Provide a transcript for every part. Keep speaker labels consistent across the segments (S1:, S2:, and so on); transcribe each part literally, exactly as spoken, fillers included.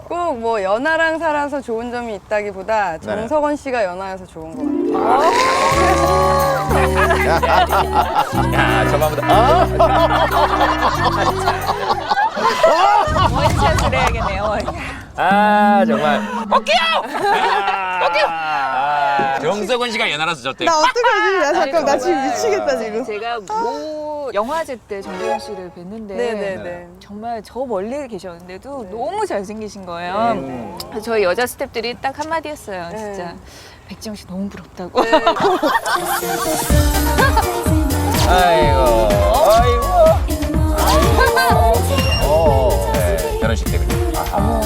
S1: 꼭 뭐 연하랑 살아서 좋은 점이 있다기보다
S2: 네.
S1: 정석원 씨가 연하여서 좋은 것 같아요.
S3: 야, 저만보다.
S4: 원샷을 해야겠네요.
S3: 아, 정말. 꺾여! 꺾여! 아, 정석원 씨가 연하라서 좋대.
S1: 나 어떡하지? 야 잠깐 나 지금
S4: 정말
S1: 미치겠다 지금.
S4: 제가 모 영화제 때 정재현 씨를 뵀는데
S1: 네네네.
S4: 정말 저 멀리 계셨는데도
S1: 네.
S4: 너무 잘생기신 거예요.
S2: 음.
S4: 그래서 저희 여자 스태프들이 딱 한마디 했어요.
S1: 네.
S4: 진짜 백지영 씨 너무 부럽다고.
S1: 네.
S3: 아이고, 아이고.
S2: 어.
S3: 네, 결혼식 때문에. 아하.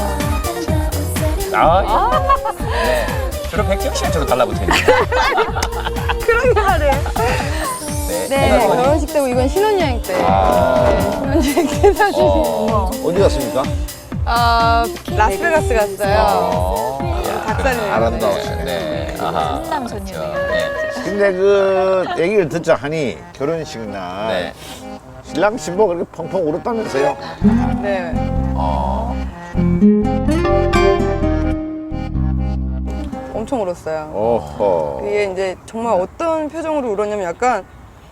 S3: 아, 네. 주로 백지영 씨가 저로 달라붙어 있는.
S1: 그런 게 말해.
S3: 네.
S1: 네, 결혼식 때고 이건 신혼여행 때.
S3: 아.
S1: 신혼여행 때 사진.
S3: 어.
S2: 어디 갔습니까?
S1: 아, 라스베가스 갔어요.
S3: 어.
S1: 닭살이네요.
S2: 아름다웠어요.
S3: 네. 아하.
S4: 훈남 손님이에요.
S3: 네.
S2: 근데 그 얘기를 듣자 하니 결혼식 날
S3: 네.
S2: 신랑 신부가 그렇게 펑펑 울었다면서요?
S1: 네.
S3: 어.
S1: 엄청 울었어요.
S2: 어허.
S1: 그게 이제 정말 어떤 표정으로 울었냐면 약간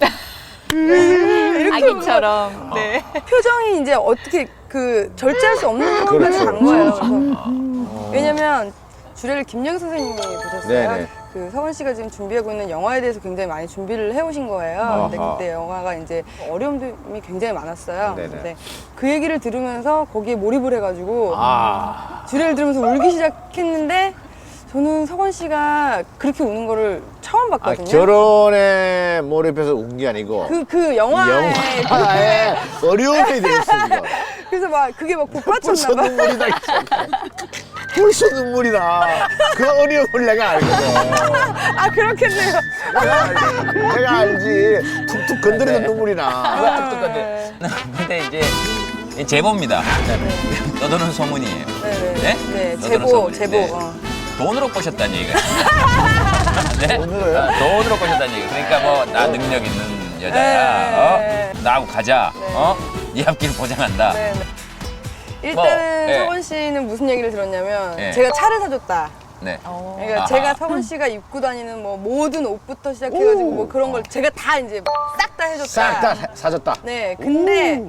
S1: 이렇게
S4: 아기처럼. 네.
S1: 표정이 이제 어떻게 그 절제할 수 없는 상황까지
S2: 그렇죠.
S1: 간 거예요. 그래서 왜냐면 주례를 김영 선생님이 보셨어요.
S2: 네네.
S1: 그 서원 씨가 지금 준비하고 있는 영화에 대해서 굉장히 많이 준비를 해오신 거예요. 근데
S2: 아하.
S1: 그때 영화가 이제 어려움이 굉장히 많았어요.
S2: 네네.
S1: 근데 그 얘기를 들으면서 거기에 몰입을 해가지고
S2: 아.
S1: 주례를 들으면서 울기 시작했는데 저는 서건 씨가 그렇게 우는 거를 처음
S2: 아,
S1: 봤거든요.
S2: 결혼에 몰입해서 운 게 아니고
S1: 그, 그 영화에.
S2: 영화에 어려움이 돼 있어 지금.
S1: 그래서 막 그게 막
S2: 벌써
S1: 복받쳤나 봐.
S2: 눈물이 나. 벌써 눈물이 나. 그 어려움을 내가 알거든.
S1: 아, 그렇겠네요.
S2: 내가 알지. 내가 알지. 툭툭 건드리는 눈물이 나.
S3: 똑같네. 근데 이제 이 제보입니다. 떠도는 소문이에요.
S1: 네네.
S3: 네?
S1: 네,
S3: 너도는
S1: 제보,
S3: 소문이.
S1: 제보.
S3: 네.
S1: 어.
S3: 돈으로 꼬셨다는 얘기가. 네?
S2: 돈으로요?
S3: 아, 돈으로 꼬셨다는 얘기. 그러니까 뭐 나 능력 있는 여자야.
S1: 네.
S3: 어? 나하고 가자.
S1: 네.
S3: 어? 네 앞길 보장한다.
S1: 네, 네. 일단은
S3: 뭐, 네.
S1: 서건 씨는 무슨 얘기를 들었냐면
S3: 네.
S1: 제가 차를 사줬다.
S3: 네.
S1: 그러니까
S3: 아하.
S1: 제가 서건 씨가 입고 다니는 뭐 모든 옷부터 시작해가지고 뭐 그런 걸 제가 다 이제 싹 다 해줬다.
S2: 싹 다 사줬다.
S1: 네, 근데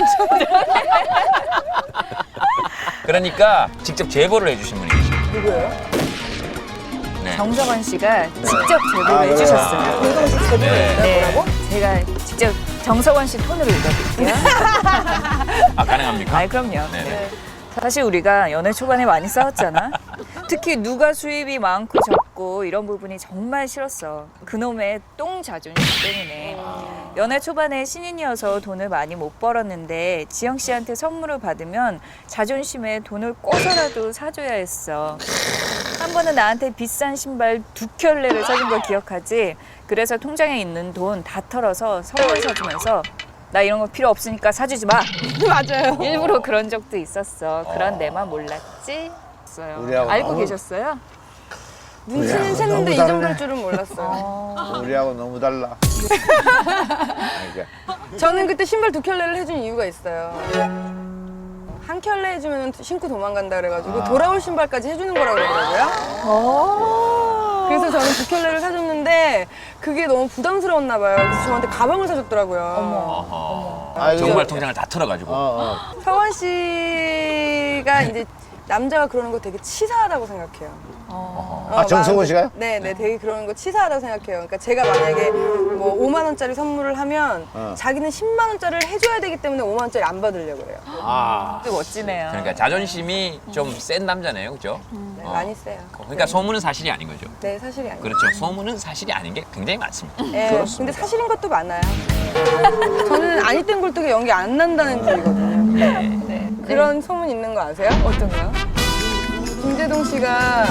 S3: 그러니까 직접 제보를 해주신 분이 계시죠.
S1: 누구예요?
S3: 네.
S4: 정석원 씨가 직접 제보를
S2: 아, 그래요?
S4: 해주셨어요.
S1: 정석원 씨 제보를
S3: 네.
S1: 했어요?
S4: 네,
S1: 뭐라고?
S4: 제가 직접 정석원 씨 톤으로 읽어드릴게요.
S3: 아, 가능합니까?
S4: 아, 그럼요.
S3: 네네.
S4: 네. 사실 우리가 연애 초반에 많이 싸웠잖아. 특히 누가 수입이 많고 적고 이런 부분이 정말 싫었어. 그놈의 똥 자존심 때문에. 연애 초반에 신인이어서 돈을 많이 못 벌었는데 지영 씨한테 선물을 받으면 자존심에 돈을 꿔서라도 사줘야 했어. 한 번은 나한테 비싼 신발 두 켤레를 사준 걸 기억하지? 그래서 통장에 있는 돈 다 털어서 선물 사주면서 나 이런 거 필요 없으니까 사주지 마.
S1: 맞아요.
S4: 일부러 그런 적도 있었어. 그런 내만 몰랐지? 있어요.
S2: 우리하고
S4: 알고
S2: 너무-
S4: 계셨어요?
S1: 눈치는
S2: 너무
S1: 챘는데 이
S2: 다르네.
S1: 정도일 줄은 몰랐어요.
S2: 우리하고 너무 달라. 그러니까
S1: 저는 그때 신발 두 켤레를 해준 이유가 있어요. 한 켤레 해주면 신고 도망간다 그래가지고
S2: 아.
S1: 돌아올 신발까지 해주는 거라고 그러더라고요. 그래서 저는 두 켤레를 사줬는데 그게 너무 부담스러웠나 봐요. 그래서 저한테 가방을 사줬더라고요.
S3: 어허.
S2: 아, 이거-
S3: 정말 통장을 다 털어가지고.
S2: 어, 어.
S1: 서원 씨가 이제 남자가 그러는 거 되게 치사하다고 생각해요.
S4: 어.
S1: 어,
S2: 아, 정성원
S1: 마음-
S2: 씨가요?
S1: 네, 네, 되게 그런 거 치사하다고 생각해요. 그러니까 제가 만약에 뭐 오만 원짜리 선물을 하면
S2: 어.
S1: 자기는 십만 원짜리를 해줘야 되기 때문에 오만 원짜리 안 받으려고 그래요.
S2: 아.
S4: 되게 멋지네요.
S3: 그러니까 자존심이 좀 센 남자네요, 그죠?
S1: 네,
S3: 어.
S1: 많이 세요.
S3: 그러니까 소문은 사실이 아닌 거죠.
S1: 네, 사실이 아니에요.
S3: 그렇죠. 소문은 사실이 아닌 게 굉장히 많습니다.
S1: 네,
S2: 그렇습니다.
S1: 근데 사실인 것도 많아요. 저는 아니 땐 굴뚝에 연기 안 난다는 주의거든요.
S3: 네.
S4: 네.
S1: 그런 소문 있는 거 아세요?
S4: 어떤 거요?
S1: 김재동 씨가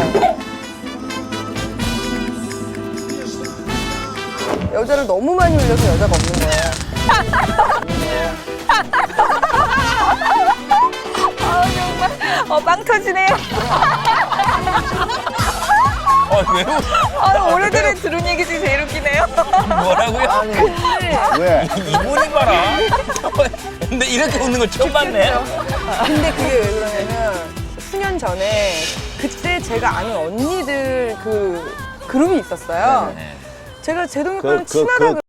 S1: 여자를 너무 많이 울려서 여자가 없는 거예요.
S4: 아 정말 어, 빵 터지네요.
S3: 어, 왜?
S4: 아, 오래전에 들은 얘기 중에 제일 웃기네요.
S3: 뭐라고요?
S2: 아니, 왜?
S3: 이분이 봐라. 근데 이렇게 웃는 걸 처음 봤네.
S1: 근데 그게 왜 그러냐면 수년 년 전에 그때 제가 아는 언니들 그 그룹이 있었어요.
S3: 네.
S1: 제가 제동이
S2: 그-
S1: 오빠랑
S2: 그-
S1: 친하다
S2: 그-